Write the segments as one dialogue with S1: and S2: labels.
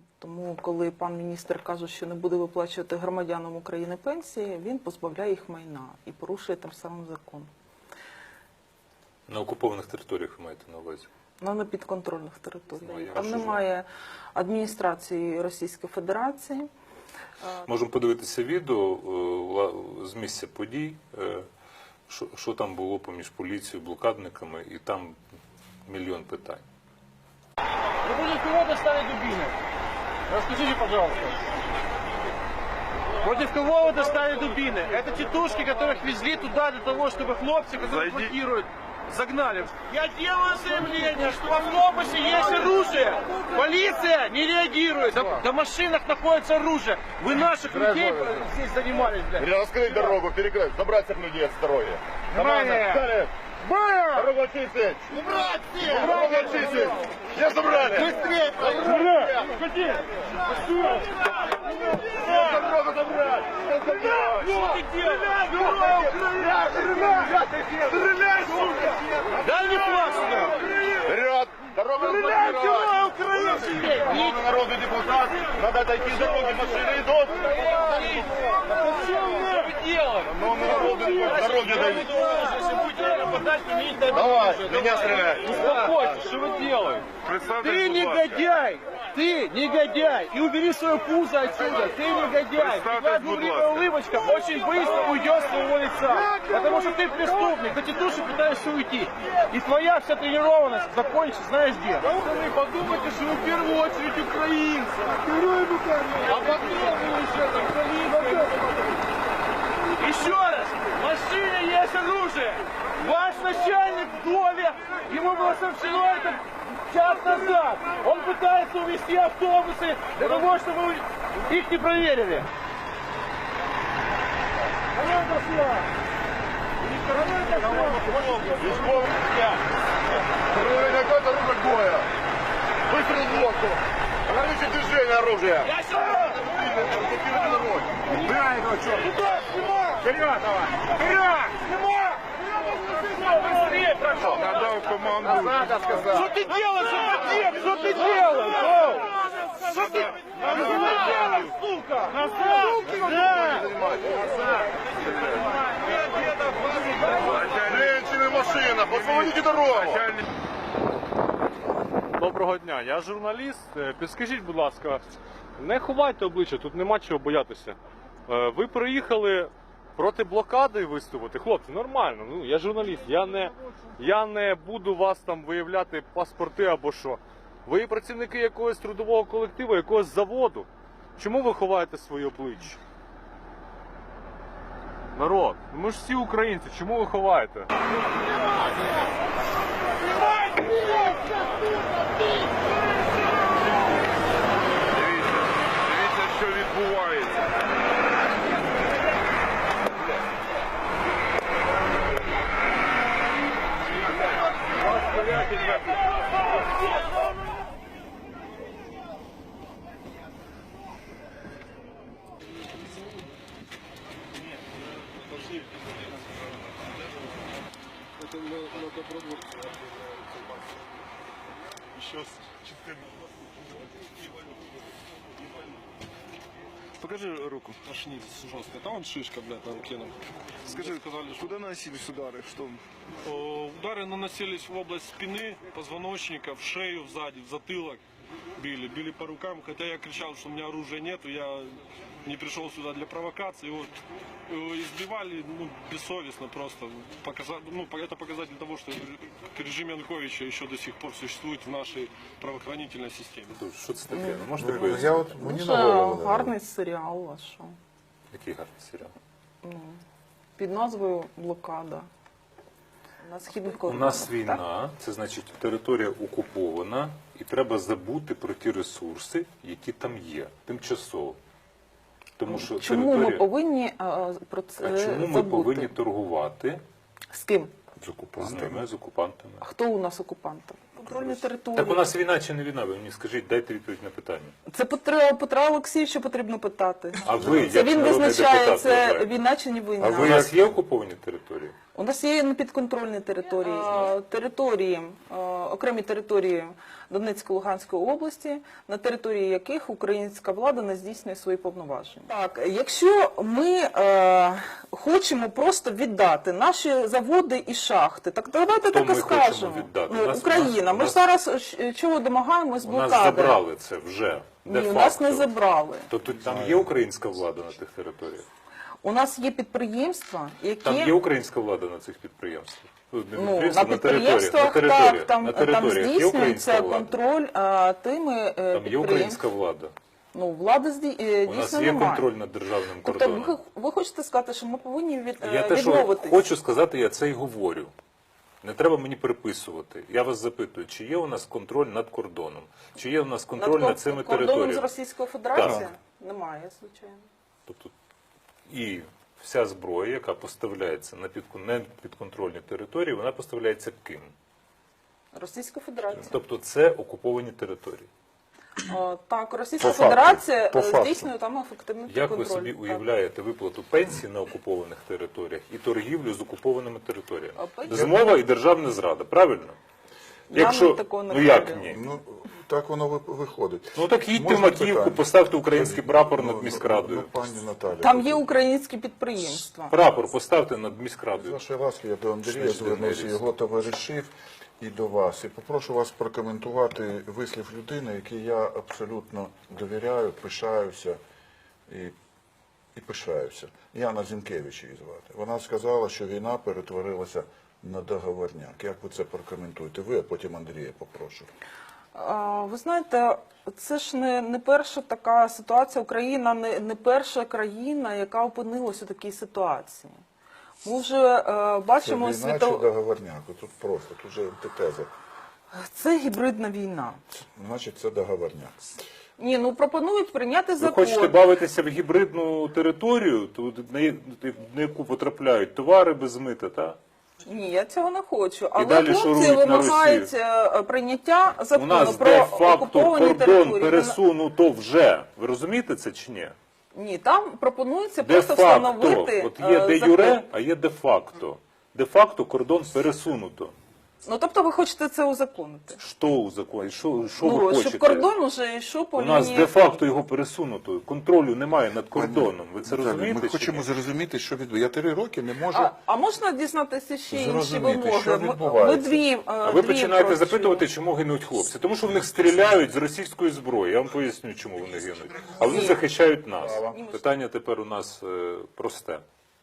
S1: Тому, коли пан міністр каже, що не буде виплачувати громадянам України пенсії, він позбавляє їх майна і порушує тим самим закон.
S2: На окупованих територіях ви маєте на увазі?
S1: На непідконтрольних територіях.
S2: я
S1: Там
S2: розумію.
S1: немає адміністрації Російської Федерації.
S2: Можемо подивитися відео з місця подій, що там було поміж поліцією, блокадниками, і там мільйон питань.
S3: Вы против кого достали дубины? Расскажите, пожалуйста. Против кого вы достали дубины? Это тетушки, которых везли туда для того, чтобы хлопцы, которые блокируют, загнали. Я делаю заявление, что в автобусе есть оружие. Полиция не реагирует. На машинах находится оружие. Вы наших людей здесь занимались, блядь.
S4: Раскрыть дорогу, перекрыть, забрать всех людей от здоровья.
S3: Внимание!
S4: Дорогу очистить! Убрать всех! Дорогу очистить! Все забрали! Быстрее!
S3: Уходи!
S4: Дорогу забрать!
S3: Что ты делаешь? Дай мне флаг сюда!
S4: Вперед! Дорогу разблокировать! Главный народный депутат! Надо отойти с дороги, машины идут!
S3: Что вы делаете?
S4: Главный народный депутат! Дороги дают!
S3: Если будете нападать, имейте
S4: Давай, меня стреляй!
S3: Успокойтесь, что вы делаете? Ты негодяй! Ты негодяй! И убери свое пузо отсюда! Ты негодяй! Твоя дурливая улыбочка очень быстро уйдет с твоего лица! Потому что ты преступник, ты тетуши пытаешься уйти. И твоя вся тренированность закончится, знаешь где? Вы подумайте, что вы в первую очередь украинцы! А потом вы уже там полиция! Еще раз! В машине есть оружие! Ваш начальник в доме! Ему было сообщено это час назад! Он пытается увезти автобусы для того, чтобы их не проверили! Команда шла!
S4: Какое-то оружие боя! Выстрел в лодку! Ограничить движение оружия!
S3: Я сюда!
S4: Блокируйте дорогу! Убирай этого черта!
S3: Туда, снимай!
S4: Вперед давай! Вперед!
S3: Снимай! Быстрее прошел!
S4: Надо команду! Назад, я сказал!
S3: Что ты делаешь, отец? Что ты делаешь? Что ты делаешь, сука? Назад!
S4: Женщины, машина! Освободите дорогу!
S5: Доброго дня, я журналіст. Підскажіть, будь ласка, не ховайте обличчя, тут нема чого боятися. Ви приїхали проти блокади виступити? Хлопці, нормально, ну я журналіст, я не буду вас там виявляти паспорти або що. Ви працівники якогось трудового колективу, якогось заводу. Чому ви ховаєте своє обличчя? Народ, ми ж всі українці, чому ви ховаєте?
S4: Дивіться, що відбувається.
S6: Покажи руку. Ошнись жестко. Там он шишка, блядь, на руке. Скажи, сказали, куда наносились удары? Что?
S7: Удары наносились в область спины, позвоночника, в шею, сзади, в затылок. Били по рукам, хотя я кричал, что у меня оружия нету, я не пришел сюда для провокации. Вот, избивали бессовестно просто. Это показатель того, что режим Януковича еще до сих пор существует в нашей правоохранительной системе.
S2: Що це таке? Ну, можете
S4: Я
S2: пояснити?
S4: от мені
S1: Дуже
S4: на голову.
S1: гарний серіал, а що?
S2: Який гарний серіал.
S1: Під назвою «Блокада». На східних
S2: У нас війна, це значить територія окупована, і треба забути про ті ресурси, які там є, тимчасово. Тому що
S1: Чому ми
S2: територія...
S1: повинні про це
S2: А чому ми
S1: забути?
S2: повинні торгувати
S1: З ким?
S4: З
S2: з
S4: окупантами.
S2: ними, з окупантами?
S1: Хто у нас окупанти? підконтрольні території.
S2: Так у нас війна чи не війна? Ви мені скажіть, дайте відповідь на питання.
S1: Це Петра Олексійовича потрібно питати.
S2: А ви,
S1: Це
S2: як
S1: він
S2: народний
S1: визначає,
S2: депутат,
S1: це
S2: вважаєте?
S1: війна чи не війна.
S2: У нас є окуповані території?
S1: У нас є непідконтрольні території. Території, окремі території Донецької, Луганської області, на території яких українська влада не здійснює свої повноваження. Так, якщо ми хочемо просто віддати наші заводи і шахти, так давайте
S2: Хто
S1: так і
S2: ми хочемо
S1: скажемо.
S2: віддати?
S1: Україна. Ми ж зараз чого домагаємось
S2: У нас
S1: блокади?
S2: забрали це вже.
S1: Ні, у нас не забрали.
S2: Тобто там є українська влада на тих територіях?
S1: У нас є підприємства, які...
S2: Там є українська влада на цих підприємствах?
S1: На підприємствах, так, там
S2: територіях є українська
S1: здійснюється
S2: влада?
S1: контроль тими
S2: Там є
S1: підприємствами.
S2: українська влада?
S1: Ну, влади
S2: У нас
S1: дійсно
S2: є
S1: немає.
S2: контроль над державним
S1: Тобто
S2: кордоном?
S1: ви хочете сказати, що ми повинні
S2: Я те, що
S1: відмовитись?
S2: хочу сказати, я це й говорю. Не треба мені переписувати. Я вас запитую, чи є у нас контроль над кордоном? Чи є у нас контроль над цими
S1: кордоном з
S2: територіями?
S1: Російською Федерацією?
S2: Так.
S1: Немає, звичайно.
S2: Тобто, і вся зброя, яка поставляється на підконтрольні території, вона поставляється ким?
S1: Російська Федерація.
S2: Тобто це окуповані території.
S1: Так, Російська
S6: По факту,
S1: Федерація
S6: по факту.
S1: здійснює там ефективний
S2: Як ви
S1: контроль.
S2: собі
S1: Так.
S2: уявляєте виплату пенсій на окупованих територіях і торгівлю з окупованими територіями?
S1: А пенсії?
S2: Змова і державна зрада, правильно?
S1: Нам такого не
S2: ну як
S1: говорили.
S2: ні?
S6: Ну, так воно виходить.
S2: Ну так їдьте в
S6: Можна
S2: Макіївку,
S6: питання?
S2: поставте український прапор над міськрадою.
S6: Пані Наталя.
S1: Там є українські підприємства.
S2: Прапор поставте над
S6: З
S2: міськрадою.
S6: вашої ласки я до Андрія
S2: Значить,
S6: звернувся,
S2: Денис.
S6: його товаришів і до вас. І попрошу вас прокоментувати вислів людини, який я абсолютно довіряю, пишаюся і пишаюся. Яна Зінкевич її звати. Вона сказала, що війна перетворилася на договорняк. Як ви це прокоментуєте? Ви, а потім Андрія попрошу.
S1: Ви знаєте, це ж не перша така ситуація. Україна не перша країна, яка опинилась у такій ситуації. Ми вже
S6: Це
S1: бачимо
S6: війна чи договорняк? Тут просто, тут же антитеза.
S1: Це гібридна війна.
S6: Значить, це договорняк.
S1: Ні, ну пропонують прийняти
S2: Ви
S1: закон.
S2: хочете бавитися в гібридну територію, на яку потрапляють товари без мита, так?
S1: Ні, я цього не хочу. Але
S2: далі
S1: хлопці
S2: шурують на
S1: вимагають прийняття
S2: У
S1: закону
S2: нас
S1: про
S2: де-факто
S1: окуповані
S2: кордон
S1: території.
S2: пересунуто вже. Ви розумієте це чи ні?
S1: Ні, там пропонується просто
S2: Де-факто.
S1: встановити
S2: От є де
S1: закон.
S2: юре, а є де-факто. Де-факто кордон пересунуто.
S1: Ну, тобто ви хочете це узаконити?
S2: Що у законі? Що ви
S1: Ну,
S2: хочете?
S1: щоб кордон уже йшов по
S2: У нас
S1: лінії.
S2: де-факто його пересунуто. Контролю немає над кордоном. Ви це
S6: Наталя,
S2: розумієте?
S6: Ми
S2: чи
S6: хочемо
S2: ні?
S6: зрозуміти, що відбувається. Я 3 роки не можу...
S1: А можна дізнатися ще інші
S6: Зрозуміти,
S1: вимоги?
S6: що
S1: Ми
S6: відбувається.
S1: дві.
S2: А ви починаєте
S1: просимо.
S2: запитувати, чому гинуть хлопці. Тому що в них стріляють з російської зброї. Я вам поясню, чому вони гинуть. А вони захищають нас. Питання тепер у нас просте.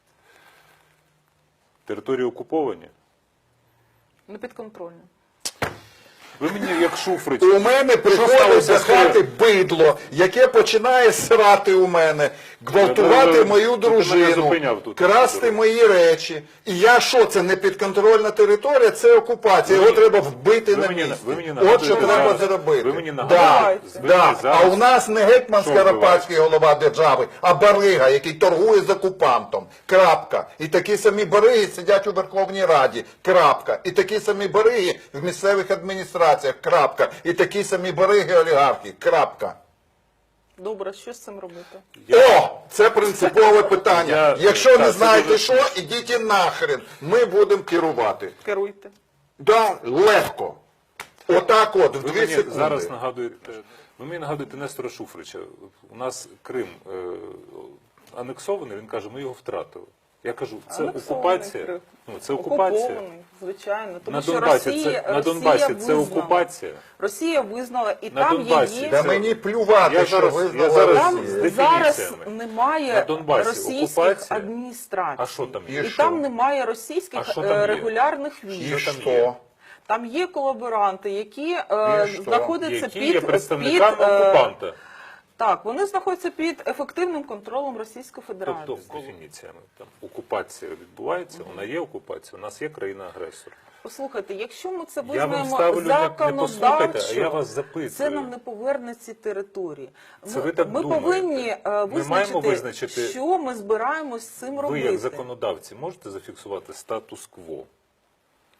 S2: Території окуповані?
S1: Непідконтрольно.
S2: Ви мені як Шуфрич.
S6: У мене приходить
S2: сталося
S6: до
S2: з
S6: хати бидло, яке починає срати у мене, гвалтувати мою
S2: Ти мене
S6: дружину,
S2: зупиняв тут.
S6: красти мої речі. І я що, це не підконтрольна територія, це окупація. Його треба вбити
S2: ви
S6: на
S2: мені-
S6: місці.
S2: ви мені
S6: От
S2: нагадуєте
S6: що треба
S2: зараз-
S6: зробити.
S2: ви мені
S6: Да,
S2: нагадуєте- ви
S6: да.
S2: мені зараз-
S6: А у нас не гетьман
S2: Що
S6: Скоропадський голова держави, а барига, який торгує з окупантом. Крапка. І такі самі бариги сидять у Верховній Раді. Крапка. І такі самі бариги в місцевих адміністраціях. Крапка. І такі самі бариги олігархи. Крапка.
S1: Добре, що з цим робити?
S6: О! Це принципове питання. Якщо
S2: так,
S6: не
S2: це
S6: знаєте
S2: дуже
S6: що, ідіть і нахрен. Ми будемо керувати.
S1: Керуйте.
S6: Да, легко. Отак от, в
S2: Ви
S6: 2
S2: мені
S6: секунди.
S2: зараз нагадуєте, ви мені нагадуєте Нестора Шуфрича. У нас Крим анексований, він каже, ми його втратили. Я кажу, це
S1: Анексований
S2: окупація.
S1: Крим.
S2: Ну, це окупація.
S1: Окупований, звичайно. Тому
S2: На
S1: що
S2: Донбасі,
S1: Росія,
S2: на Донбасі це
S1: визнала.
S2: окупація.
S1: Росія визнала, і
S2: На
S1: там
S2: Донбасі.
S1: є
S6: Да
S2: Це-
S6: мені плювати,
S2: Я
S6: що
S2: зараз-
S6: ви
S2: я
S6: знали
S2: зараз-
S1: Там
S6: Росію.
S2: з
S1: зараз
S2: дефініціями.
S1: немає
S2: На Донбасі
S1: російських
S2: окупація.
S1: адміністрацій.
S2: А що там
S6: І
S2: є?
S1: І
S6: що?
S1: там немає російських
S2: А що там є?
S1: регулярних
S6: І
S1: військ.
S2: там
S6: що?
S2: є?
S1: Там є колаборанти, які
S6: що?
S1: знаходяться
S2: Які є
S1: під
S2: представниками окупанта.
S1: Так, вони знаходяться під ефективним контролем Російської Федерації.
S2: Тобто, з дефініціями, там, окупація відбувається, вона є окупація, у нас є країна-агресор.
S1: Послухайте, якщо ми це
S2: Я вам
S1: визнаємо
S2: ставлю не послухайте, а я вас
S1: законодавчо,
S2: запитую.
S1: це нам не поверне ці території.
S2: Це ви так
S1: ми
S2: думаєте.
S1: повинні
S2: Ми маємо визначити-
S1: що ми збираємось з цим
S2: Ви,
S1: робити.
S2: як законодавці, можете зафіксувати статус-кво?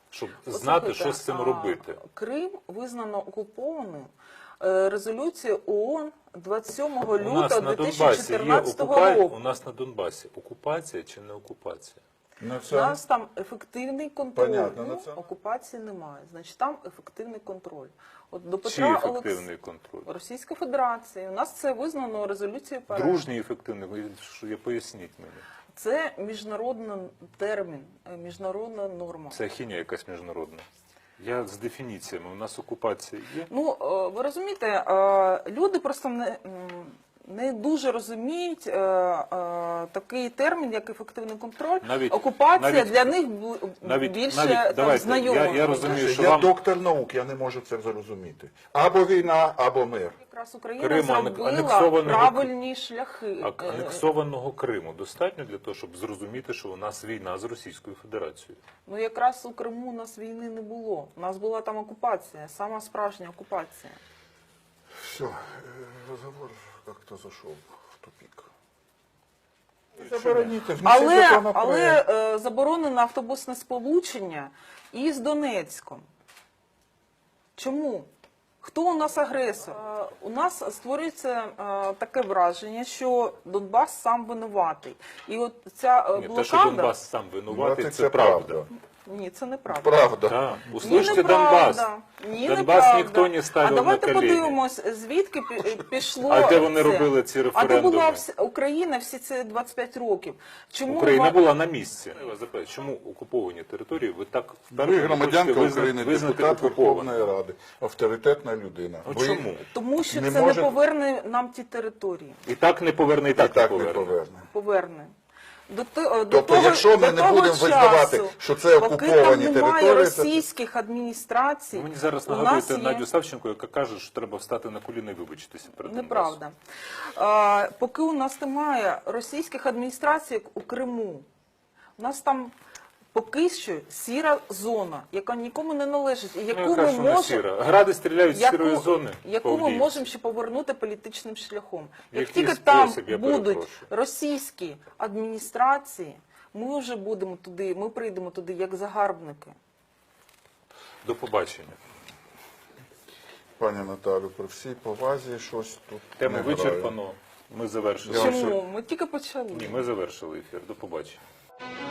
S2: щоб знати,
S1: Послухайте,
S2: що з цим робити.
S1: Крим визнано окупованим резолюцією ООН 27
S2: У нас
S1: лютого
S2: на Донбасі є
S1: 2014 року.
S2: у нас на Донбасі окупація чи не окупація?
S6: На
S1: У
S6: це
S1: нас там ефективний контроль.
S6: Понятно,
S1: Ну,
S6: на це-
S1: окупації немає. Значить, там ефективний контроль. От до
S2: Чи
S1: Петра
S2: ефективний контроль?
S1: Російська Федерація. У нас це визнано резолюцією ПР.
S2: Дружній ефективний, поясніть мені.
S1: Це міжнародний термін, міжнародна норма.
S2: Це хіня якась міжнародна. Я з дефініціями, у нас окупація є.
S1: Ну, ви розумієте, люди просто не дуже розуміють такий термін, як ефективний контроль. Окупація для них більше там, знайома.
S2: Я розумію, що
S6: я
S2: вам
S6: доктор наук, я не можу це зрозуміти. Або війна, або мир.
S1: Якраз Україна
S2: Криму,
S1: зробила
S2: анексованого-
S1: правильні шляхи.
S2: анексованого Криму достатньо для того, щоб зрозуміти, що у нас війна з Російською Федерацією.
S1: Ну якраз у Криму у нас війни не було. У нас була там окупація, сама справжня окупація.
S6: Все, разговор как-то зашел в тупик. Забороніть, внесіть законопроект.
S1: Але заборонено автобусне сполучення із Донецьком. Чому? Хто у нас агресор? У нас створюється таке враження, що Донбас сам винуватий. І от ця
S2: Ні, те, що
S1: блокада...
S2: Донбас сам винуватий,
S6: Ну,
S2: це правда.
S1: Ні, це неправда.
S6: Правда.
S2: Так,
S1: Ні,
S2: услышьте
S1: неправда.
S2: Донбас.
S1: Ні,
S2: Донбас
S1: неправда.
S2: ніхто не ставив
S1: А давайте
S2: на коліні.
S1: подивимось, звідки пішло
S2: А де вони
S1: це?
S2: робили ці
S1: А де
S2: референдуми?
S1: була Україна всі ці 25 років? Чому
S2: Україна була на місці. Я вас запитаю, чому окуповані території ви так
S6: Ви
S2: вперше
S6: громадянка
S2: хочете
S6: України,
S2: визнати
S6: депутат
S2: окупованими?
S6: Верховної Ради, авторитетна людина.
S2: Ну,
S6: Ви
S2: чому?
S1: Тому що
S6: Не
S1: це
S6: може-
S1: не поверне нам ті території.
S2: І так не поверне, і
S6: і
S2: так,
S6: так
S2: не
S6: не
S2: поверне.
S6: поверне.
S1: Поверне. До
S6: Тобто, якщо ми не будемо визнавати, що це
S1: поки
S6: окуповані
S1: там немає
S6: території, це-
S1: російських адміністрацій,
S2: Ви мені зараз
S1: у нас
S2: нагадуєте
S1: є...
S2: Надю Савченко, яка каже, що треба встати на коліна і вибачитися перед Донбасом.
S1: Неправда. Поки у нас немає російських адміністрацій, як у Криму, у нас там поки що сіра зона, яка нікому не належить, і яку
S2: Ну, яка
S1: ми
S2: ж вона
S1: можемо...
S2: сіра? Гради стріляють з сірої зони.
S1: яку
S2: по
S1: ми
S2: Авдіївці.
S1: можемо ще повернути політичним шляхом. Як
S2: Який
S1: тільки там
S2: спосіб, я
S1: будуть
S2: перепрошую?
S1: російські адміністрації, ми вже будемо туди, ми прийдемо туди як загарбники.
S2: До побачення.
S6: Пані Наталю, при всій повазі щось тут
S2: Тему
S6: не грає.
S2: вичерпано. Ми завершили.
S6: Я вам
S1: Чому? Ми тільки почали.
S2: Ні, ми завершили ефір. До побачення.